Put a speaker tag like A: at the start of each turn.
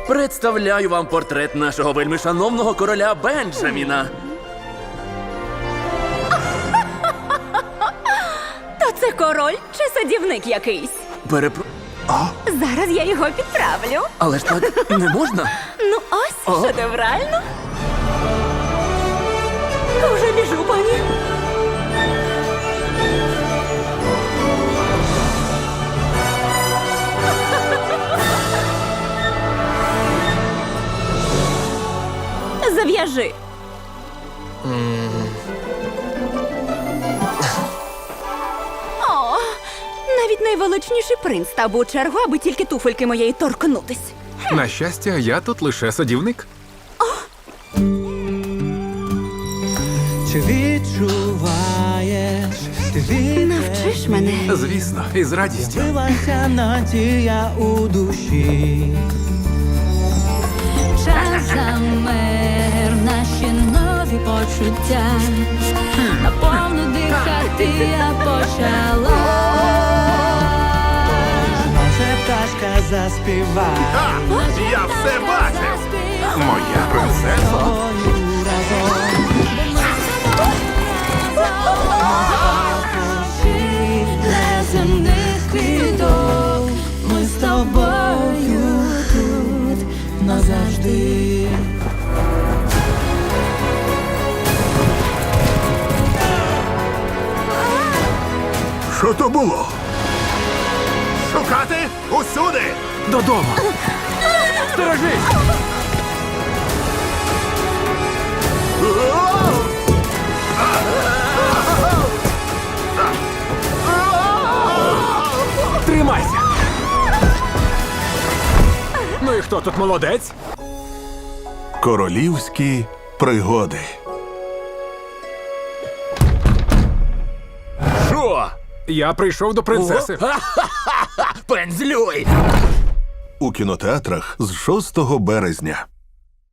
A: Представляю вам портрет нашого вельмишановного короля Бенджаміна.
B: То це король чи садівник якийсь? Зараз я його підправлю.
A: Але ж так не можна.
B: Ну ось, шедеврально. Уже біжу, пані. Зав'яжи. О, навіть найвеличніший принц став у чергу, аби тільки туфельки моєї торкнутись.
C: На щастя, я тут лише садівник.
D: Чи відчуваєш, ти
B: Навчиш мене.
C: Звісно, і з радістю.
D: відбилася надія у душі.
E: Час замер, наші нові почуття. Наповну дихати я почала.
D: Може пташка заспіває
C: Я все бачив! Моя принцеса.
D: тобою разом.
E: Неземних квіток, ми з тобою тут назавжди.
C: Що то було? Шукати усюди! Додому! Сторожись! Тримайся! Ну і хто тут молодець?
F: Королівські пригоди.
A: Що?
C: Я прийшов до принцеси.
A: Пензлюй!
F: У кінотеатрах з 6 березня.